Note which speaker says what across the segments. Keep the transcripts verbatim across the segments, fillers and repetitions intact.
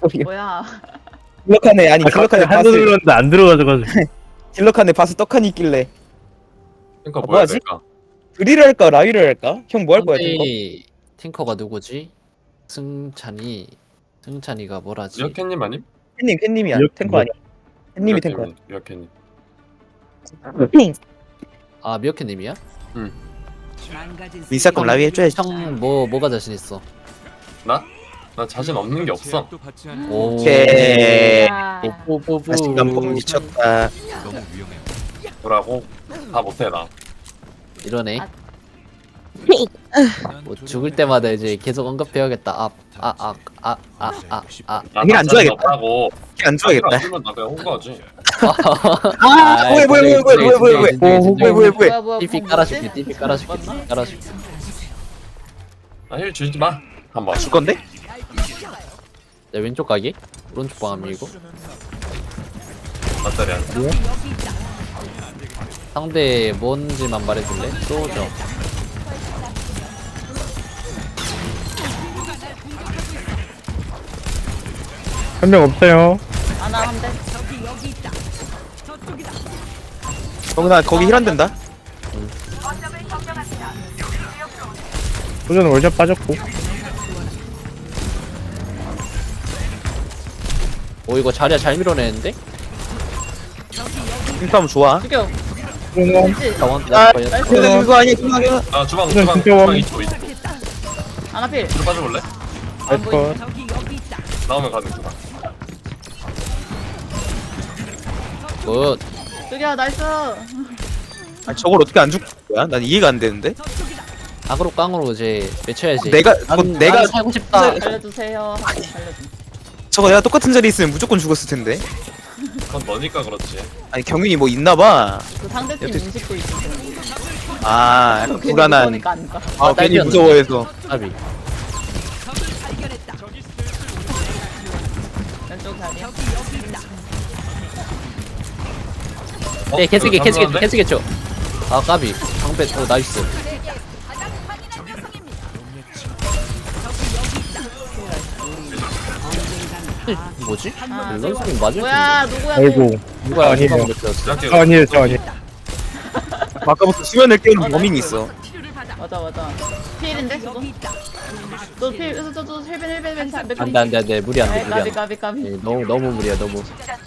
Speaker 1: 뭐야?
Speaker 2: 딜러칸에 아니
Speaker 3: 아,
Speaker 2: 딜러칸에
Speaker 3: 한도
Speaker 2: 바스
Speaker 3: 눌렀는데 안 들어가져가지고.
Speaker 2: 딜러칸에 바스 떡하니 있길래
Speaker 4: 탱커
Speaker 2: 아,
Speaker 4: 뭐 해야
Speaker 2: 뭐하지?
Speaker 4: 될까?
Speaker 2: 드릴을 할까 라위를 할까? 형 뭐 할 거야 탱커?
Speaker 5: 상대 탱커가 누구지? 승찬이 승찬이가 뭐라지?
Speaker 4: 미어캣님 아님?
Speaker 2: 팬님 팬님이야
Speaker 3: 이렇게
Speaker 2: 탱커 아니야 팬님이 탱커야
Speaker 4: 미어캣님.
Speaker 5: 아 미어캣님이야?
Speaker 2: 미사건 라위 해줘야지
Speaker 5: 형뭐 뭐가 자신 있어?
Speaker 4: 나? 나 자신 없는 게 없어.
Speaker 5: 오.
Speaker 2: 오케이
Speaker 1: 야.
Speaker 5: 뽀뽀뽀뽀.
Speaker 2: 자신감 뽕 미쳤다
Speaker 4: 뭐라고? 다 못해 나.
Speaker 5: 이러네.
Speaker 1: 아.
Speaker 5: 뭐 죽을 때마다 이제 계속 언급해야겠다. 아 아 아 아 아 아 아.
Speaker 4: 나
Speaker 2: 이게 안
Speaker 4: 자신
Speaker 2: 좋아하겠다.
Speaker 4: 없다고.
Speaker 2: 안 좋아하겠다
Speaker 4: 쓰면 나 그냥 홍보하지.
Speaker 2: 아 뭐해 뭐해 뭐해 뭐해 뭐해 뭐해 뭐해 뭐해 뭐해
Speaker 1: 뭐야 뭐야?
Speaker 5: 띠피
Speaker 1: 뭐
Speaker 5: 깔아줄게.
Speaker 1: 뭐지?
Speaker 5: 띠피 깔아줄게. 띠피 깔아줄게.
Speaker 4: 나힐 주지 마. 한번.
Speaker 2: 줄 건데?
Speaker 5: 내 왼쪽 가기? 오른쪽 방암 밀고.
Speaker 4: 맞다리야.
Speaker 5: 상대 뭔지만 말해줄래? 쏘죠.
Speaker 3: 한 명 없어요.
Speaker 1: 아나 한대.
Speaker 2: 정훈아 거기 힐 안 된다
Speaker 3: 소전 월샷 빠졌고.
Speaker 5: 오 이거 자리야 잘 밀어내는데?
Speaker 2: 힘싸움 좋아
Speaker 1: 죽여.
Speaker 3: 소전
Speaker 1: 그렇지.
Speaker 5: 자원
Speaker 2: 아
Speaker 5: 나 걸렸다.
Speaker 2: 근데 그거 아니야 그거 아니야
Speaker 4: 아 주방
Speaker 3: 그냥
Speaker 4: 주방
Speaker 3: 진짜
Speaker 4: 주방
Speaker 3: 원.
Speaker 4: 이쪽 이쪽.
Speaker 1: 아나 필.
Speaker 4: 뒤로 빠져볼래?
Speaker 1: 안 보이.
Speaker 3: 컷.
Speaker 4: 나오면 가는 주방.
Speaker 5: 굿.
Speaker 1: 죽여 나이스.
Speaker 2: 아 저걸 어떻게 안 죽는 거야? 난 이해가 안 되는데
Speaker 5: 악으로 깡으로 이제 외쳐야지.
Speaker 2: 내가
Speaker 5: 난,
Speaker 2: 그거 내가
Speaker 5: 난 살고 싶다.
Speaker 1: 살려주세요. 살려줘.
Speaker 2: 저거 내가 똑같은 자리에 있으면 무조건 죽었을 텐데
Speaker 4: 그건 너니까 그렇지.
Speaker 2: 아니 경윤이 뭐 있나봐
Speaker 1: 그 상대팀
Speaker 2: 여튼-
Speaker 1: 인식도 있으세요.
Speaker 2: 아 약간 불안한
Speaker 1: 그러니까 안 가.
Speaker 2: 아 괜히
Speaker 5: 딸기였네.
Speaker 2: 무서워해서
Speaker 5: 아비.
Speaker 1: 왼쪽 다리야.
Speaker 4: 어?
Speaker 5: 네 개쓰기
Speaker 4: 이거
Speaker 5: 개쓰기
Speaker 4: 잠깐만데?
Speaker 5: 개쓰기 쳐. 아 까비. 방패 오 나이스. 뭐지?
Speaker 1: 아,
Speaker 5: 밸런스 게임 맞을 텐데.
Speaker 1: 뭐야 누구야?
Speaker 3: 아이고.
Speaker 5: 누가
Speaker 3: 아니에요.
Speaker 5: 누가 못했어?
Speaker 4: 시작해.
Speaker 3: 저 아니에요, 저 아니에요.
Speaker 2: 아까부터 수면을 깨우는 범인이 있어
Speaker 1: 맞아 맞아. 필인데 저도. 너 필. 저도 헬벤 헬벤 헬벤.
Speaker 5: 안돼 안돼 안돼 무리 안돼 무리
Speaker 1: 까비
Speaker 5: 안돼.
Speaker 1: 까비 까비.
Speaker 5: 네, 너무 너무 무리야 너무.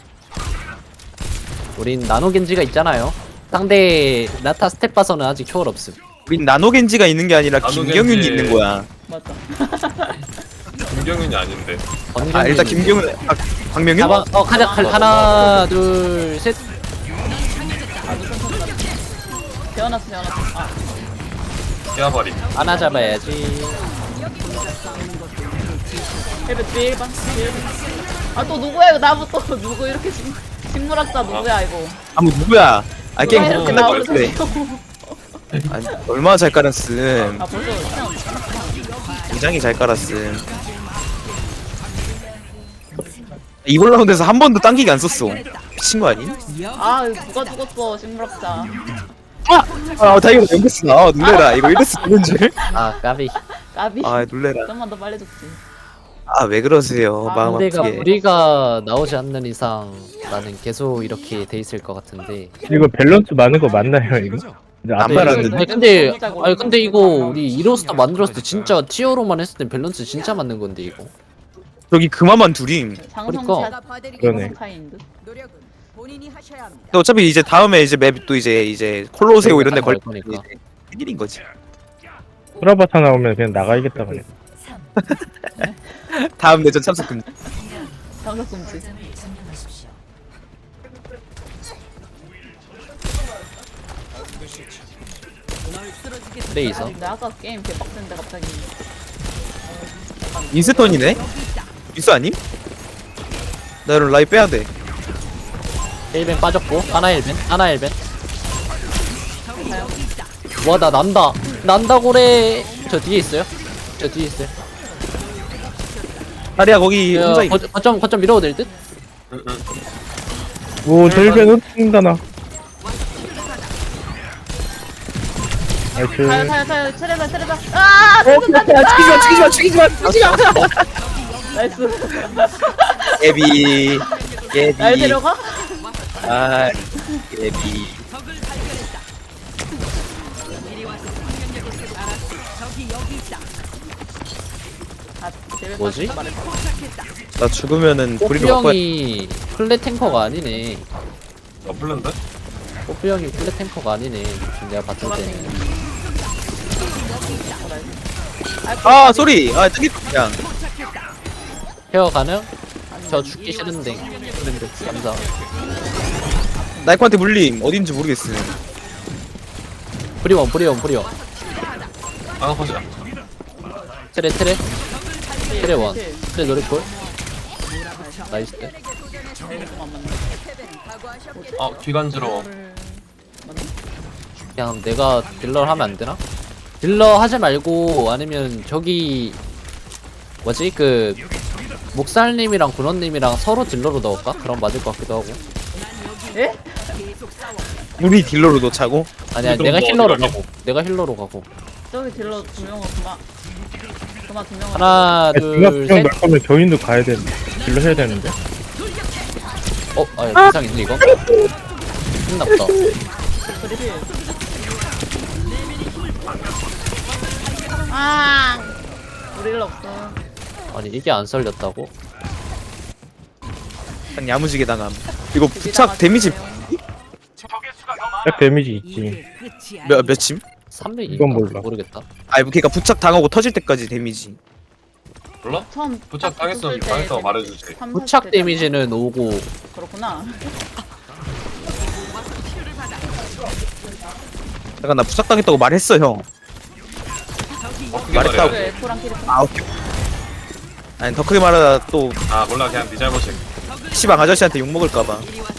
Speaker 5: 우린 나노 겐지가 있잖아요. 상대 나타 스텝 봐서는 아직 초월 없음.
Speaker 2: 우린 나노겐지가 있는 게 아니라
Speaker 4: 나노겐지.
Speaker 2: 김경윤이 있는 거야
Speaker 1: 맞아.
Speaker 4: 김경윤이 아닌데.
Speaker 2: 아 일단 김경윤 아 박명윤?
Speaker 5: 가방 어 가자 갈 하나 둘 셋.
Speaker 1: 태어났어 태어났어. 아
Speaker 4: 깨어버리.
Speaker 5: 하나 잡아야지.
Speaker 1: 헬벤 필 반. 아또 누구야 이거 나부터 누구 이렇게 식 식물학자 누구야 이거.
Speaker 2: 아 뭐 누구야 아 게임
Speaker 1: 누가 이렇게
Speaker 2: 끝날 것
Speaker 1: 나오면서
Speaker 2: 같아
Speaker 1: 지금.
Speaker 2: 아니 얼마나 잘 깔았음
Speaker 1: 아 벌써 태어났어.
Speaker 2: 굉장히 잘 깔았음 이번 라운드에서 한 번도 당기기 안 썼어 미친 거 아니?
Speaker 1: 아 누가 죽었어 식물학자.
Speaker 2: 아 다이거 연계스 나 놀래라 이거 이랬어 되는 줄?
Speaker 5: 아 까비.
Speaker 1: 까비.
Speaker 2: 아 놀래라
Speaker 1: 좀만 더 빨리 죽지.
Speaker 2: 아 왜 그러세요
Speaker 1: 아,
Speaker 2: 마음
Speaker 5: 상대가
Speaker 2: 아프게
Speaker 5: 우리가 나오지 않는 이상 나는 계속 이렇게 돼 있을 것 같은데.
Speaker 3: 이거 밸런스 많은 거 맞나요, 이거? 이제 안
Speaker 2: 안
Speaker 5: 네,
Speaker 2: 말하는데.
Speaker 5: 아니 근데 아니 근데 이거 우리 이로스타 만들었을 때 진짜 티어로만 했을 땐 밸런스 진짜 맞는 건데 이거.
Speaker 2: 저기 그마만 둘임
Speaker 1: 장성샷
Speaker 3: 그러네.
Speaker 1: 카인드.
Speaker 6: 노력은 본인이 하셔야 합니다.
Speaker 2: 근데 어차피 이제 다음에 이제 맵 또 이제 이제 콜로세오 이런 데 걸
Speaker 5: 거니까.
Speaker 2: 일인 거지
Speaker 3: 프라바타 나오면 그냥 나가야겠다, 그냥.
Speaker 2: 다음 내전 참석 금지
Speaker 1: 장석 금지.
Speaker 5: 레이서.
Speaker 1: 근데 아까 게임 개 빡센데 갑자기.
Speaker 2: 인스턴이네? 인스 아님? 나 이런 라이 빼야돼
Speaker 5: 힐벤 빠졌고 하나 힐벤 하나 힐벤. 와 나 난다 난다고래. 저 뒤에 있어요. 저 뒤에 있어요.
Speaker 2: 다리야 거기
Speaker 5: 저,
Speaker 2: 혼자 있...
Speaker 5: 거, 거점 거점 밀어도 될 듯?
Speaker 4: 응응.
Speaker 3: 오, 절변 흩친다, 나. 나이스.
Speaker 1: 타요 타요 타요 체레바 체레바. 아
Speaker 2: 어, 죽이지마 죽이지마 죽이지마 죽이지마
Speaker 1: 나이스.
Speaker 2: 예비 예비
Speaker 1: 날 데려가?
Speaker 2: 아 예비
Speaker 1: 아, 제발
Speaker 5: 뭐지?
Speaker 1: 말해.
Speaker 2: 나 죽으면은
Speaker 5: 뽀삐
Speaker 2: 우리로 바꿔야
Speaker 5: 형이 플랫 탱커가 아니네.
Speaker 4: 어 플랜데?
Speaker 5: 뽀삐 형이 플랫 탱커가 아니네. 지금 내가 봤을 때는.
Speaker 2: 아 쏘리 아 저기 그냥
Speaker 5: 헤어 가능? 저 죽기 싫은데. 그런데 감사.
Speaker 2: 나이코한테 물림 어딘지 모르겠음
Speaker 5: 프리원 프리원 프리원.
Speaker 4: 아 보자.
Speaker 5: 트레 트레. 트레 원. 트레 노리콜. 나이스 때.
Speaker 4: 어 기관지로.
Speaker 5: 그냥 내가 딜러 하면 안 되나? 딜러 하지 말고 아니면 저기 뭐지 그 목살님이랑 군원님이랑 서로 딜러로 넣을까? 그럼 맞을 것 같기도 하고.
Speaker 1: 예?
Speaker 2: 우리 딜러로 놓자고
Speaker 5: 아니 아니
Speaker 4: 그럼
Speaker 5: 내가
Speaker 4: 뭐
Speaker 5: 힐러로
Speaker 4: 어디 가게?
Speaker 5: 가고. 내가 힐러로 가고.
Speaker 1: 저기 딜러 두 명은 그만. 그만 두 명은.
Speaker 5: 하나
Speaker 3: 중간
Speaker 5: 둘
Speaker 3: 수정
Speaker 5: 셋.
Speaker 3: 날 거면 저희도 가야 되는데 딜러 해야 되는데.
Speaker 5: 어? 아 이상 있네 이거? 끝났다.
Speaker 1: 그리필. 아, 우리 일 없어.
Speaker 5: 아니 이게 안 썰렸다고?
Speaker 2: 그냥 야무지게 당함 이거 부착 데미지
Speaker 3: 딱 데미지 있지.
Speaker 2: 몇, 몇침?
Speaker 5: 삼백인가?
Speaker 3: 이건 몰라.
Speaker 5: 모르겠다.
Speaker 2: 아니 그니까 부착 당하고 터질 때까지 데미지
Speaker 4: 몰라?
Speaker 1: 처음
Speaker 4: 부착
Speaker 1: 딱
Speaker 4: 당했으면
Speaker 1: 붙을 때
Speaker 4: 당했다고 말해주지.
Speaker 1: 삼, 사십
Speaker 5: 부착
Speaker 1: 대
Speaker 5: 데미지는 오고
Speaker 1: 그렇구나.
Speaker 2: 잠깐 나 부착 당했다고 말했어 형
Speaker 4: 어 크게
Speaker 2: 말했다고.
Speaker 4: 말해.
Speaker 1: 왜 F랑 캐릭터?
Speaker 2: 아 오케이 아니 더 크게 말하다 또
Speaker 4: 아 몰라 그냥 네 잘못이.
Speaker 2: 시방 아저씨한테 욕먹을까봐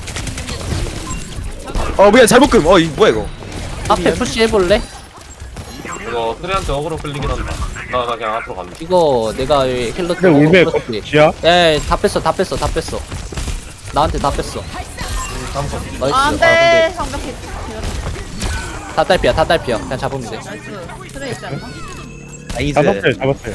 Speaker 2: 어 뭐야 잘못금 어 이 뭐야 이거
Speaker 5: 앞에 푸시 해볼래?
Speaker 4: 이거 트레한테 어그로 끌리긴 한다. 나, 나 그냥 앞으로 간다.
Speaker 5: 이거 내가 힐러
Speaker 3: 근데 울베
Speaker 5: 풀었지.
Speaker 3: 지야?
Speaker 5: 야다 뺐어 다 뺐어 다 뺐어. 나한테 다 뺐어.
Speaker 4: 다음 거.
Speaker 5: 나이스.
Speaker 1: 아,
Speaker 5: 아,
Speaker 1: 안
Speaker 5: 근데
Speaker 1: 돼. 완벽해.
Speaker 5: 다 딸피야 다 딸피야. 그냥 잡으면 돼.
Speaker 1: 나이스. 트레 있지 않나?
Speaker 2: 나이스
Speaker 3: 잡았어요 잡았어요.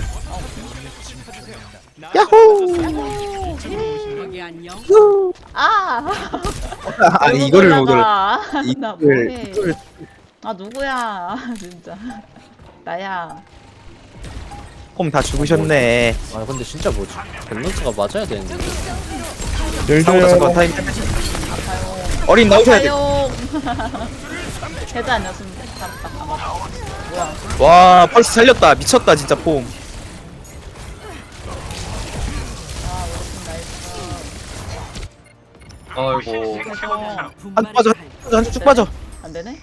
Speaker 1: 아.
Speaker 2: 아니 이거를 못 올라
Speaker 1: 올라가. 나
Speaker 2: 이걸
Speaker 1: 뭐해?
Speaker 2: 이걸
Speaker 1: 아 누구야? 진짜. 나야.
Speaker 2: 홈다 죽으셨네
Speaker 5: 아 근데 진짜 뭐지? 밸런스가 맞아야 되는데.
Speaker 2: 상호자 잠깐
Speaker 3: 열려요.
Speaker 2: 타임
Speaker 1: 아파요.
Speaker 2: 어린 나오셔야 돼
Speaker 1: 아파요. 해도 아니었으면 잡았다. 아 맞다. 뭐야?
Speaker 2: 와 펄스 살렸다 미쳤다 진짜 폼
Speaker 1: 아 우리 나이스.
Speaker 4: 아이고.
Speaker 1: 그래서
Speaker 2: 한쪽 빠져 한쪽 쭉 빠져
Speaker 1: 안 되네.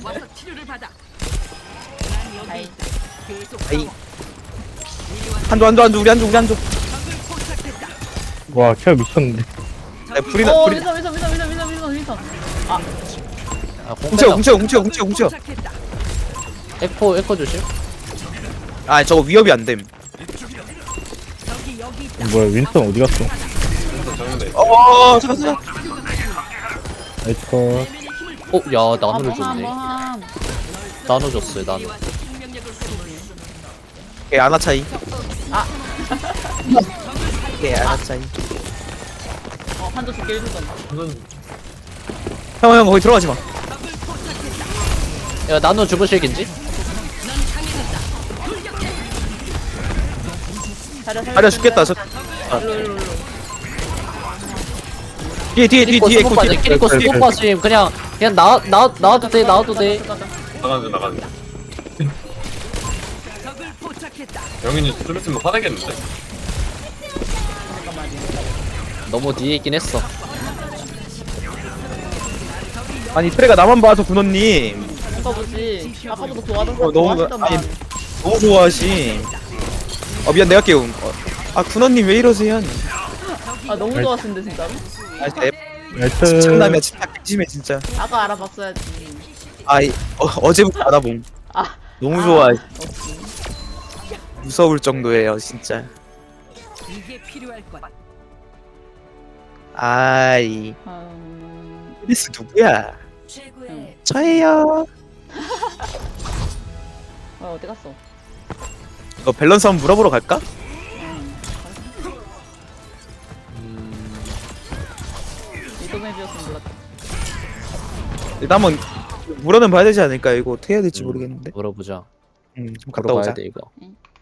Speaker 1: 아이.
Speaker 2: 아이 한조 한조 한조 우리 한조 우리 한조
Speaker 3: 와 케어 미쳤는데.
Speaker 2: 야, 불이나
Speaker 1: 어
Speaker 2: 불이
Speaker 1: 미선 미선 미선 미선 미선 미선 미선. 아
Speaker 5: 아
Speaker 2: 훔쳐
Speaker 5: 공패다.
Speaker 2: 훔쳐 훔쳐 훔쳐 훔쳐
Speaker 5: 에코 에코 조심.
Speaker 2: 아 저거 위협이 안됨
Speaker 3: 뭐야 윈스턴 어디 갔어?
Speaker 4: 그래서 정리돼.
Speaker 2: 어 잠깐 잠깐
Speaker 3: 나이스 컷.
Speaker 5: 어야
Speaker 1: 아,
Speaker 5: 나노를
Speaker 1: 뭐함
Speaker 5: 줬네.
Speaker 1: 뭐함.
Speaker 5: 나노 줬어요 나노.
Speaker 2: 오케이 아나 차이
Speaker 1: 아.
Speaker 2: 오케이 아나 차이
Speaker 1: 어 한조 죽게 해주던.
Speaker 4: 완전
Speaker 2: 형형 거기 들어가지 마
Speaker 5: 야 나노 죽으실긴지?
Speaker 1: 자려
Speaker 2: 자려 죽겠다, 저- 아.
Speaker 1: 일로 일로 일로.
Speaker 2: 뒤에 뒤에 뒤에
Speaker 5: 키리코
Speaker 2: 뒤에
Speaker 5: 스포
Speaker 2: 에코
Speaker 5: 빠짐
Speaker 2: 뒤에
Speaker 5: 키리코
Speaker 3: 뒤에
Speaker 5: 스포 빠짐 그냥 그냥 나, 나, 나와도 돼 나와도 돼.
Speaker 4: 나가는 나가는. 영인이 좀 있으면 화내겠는데?
Speaker 5: 너무 뒤에 있긴 했어.
Speaker 2: 아니 트레가 나만 봐서 군원님
Speaker 1: 오빠 보지. 아까부터 좋아하던
Speaker 2: 어, 너무
Speaker 1: 좋아하시더만.
Speaker 2: 아니 너무 좋아하시 어 미안 내가 깨움 어, 아 군원님 왜 이러세요
Speaker 1: 아 너무 좋아하시는데 진짜로?
Speaker 2: 아 진짜
Speaker 3: 나이스.
Speaker 2: 장남이야 진짜 심해 진짜
Speaker 1: 아까 알아봤어야지.
Speaker 2: 아이 어, 어제부터 알아봄
Speaker 1: 아
Speaker 2: 너무
Speaker 1: 아,
Speaker 2: 좋아
Speaker 1: 없지.
Speaker 2: 무서울 정도예요 진짜
Speaker 6: 이게 필요할 것.
Speaker 2: 아이
Speaker 1: 음...
Speaker 2: 크리스 누구야
Speaker 1: 응.
Speaker 2: 저예요
Speaker 1: 어 어디 갔어?
Speaker 2: 이거 밸런스 한번 물어보러 갈까?
Speaker 1: 응.
Speaker 5: 음,
Speaker 1: 조맵이었으면 몰랐다.
Speaker 2: 일단 한번 물어는 봐야 되지 않을까? 이거 어떻게 해야 될지 모르겠는데.
Speaker 5: 물어보자.
Speaker 2: 음, 좀 갔다
Speaker 5: 물어봐야
Speaker 2: 오자.
Speaker 5: 돼 이거.
Speaker 1: 응.